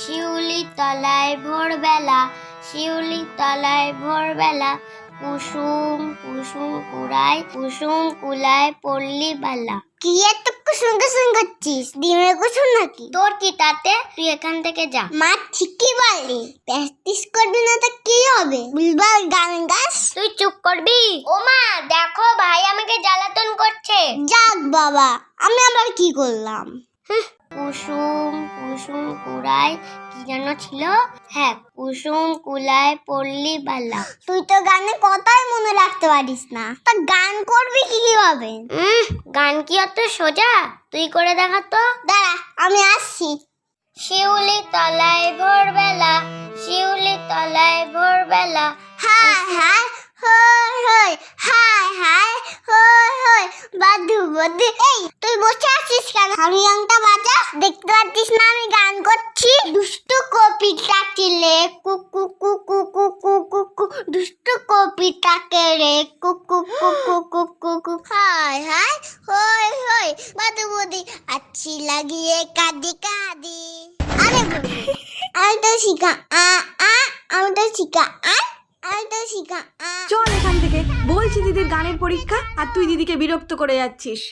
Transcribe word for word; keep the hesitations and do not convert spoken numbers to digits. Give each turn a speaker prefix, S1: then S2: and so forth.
S1: শিউলি তলায় ভোরবেলা, শিউলি তলায় ভোরবেলা, কুসুম কুসুম কুড়ায়, কুসুম কুলায় পল্লী বালা। কি এত কুসুম কুসুম করছিস? ডিমের কুসুম নাকি? তোর কি তাতে? তুই এখান থেকে যা। মা ঠিকই বলে, প্র্যাকটিস করবি না তো কি হবে? বুলবুল গান গাস। তুই চুপ করবি? ও মা দেখো, ভাই আমাকে জ্বালাতন করছে। যাক বাবা, আমি আবার কি করলাম? কুসুম কুসুম কুড়ায়, কি যেন ছিল? হ্যাঁ, কুসুম কুলায় পল্লী বালা। তুই তো গানে কথাই মনে রাখতে পারিস না, তা গান করবি কি কিভাবে? গান কি অত সোজা? তুই করে দেখা তো। দাঁড়া, আমি আসছি। শিউলি তলায় ভোরবেলা, শিউলি তলায় ভোরবেলা, হায় হায় হই হই, হায় হায় হই হই, বাদু বাদু। এই তুই বসে আছিস কেন? হারমোনিয়ামটা বাজা। দেখতে পাচ্ছিস না আমি গান করছি? দুষ্টু কপিটাকে রে কুকু কুকু কুকু কুকু, দুষ্টু কপিটাকে রে কুকু কুকু কুকু কুকু, হায় হায় হই হই, বাদু বাদু, আচ্ছি লাগিয়ে কাঁদি কাঁদি। আরে আমি তো শিখা আ আ, আমি তো শিখা আ, আমি তো শিখা আ।
S2: চল এখান থেকে, বলছি দিদির গানের পরীক্ষা আর তুই দিদিকে বিরক্ত করে যাচ্ছিস।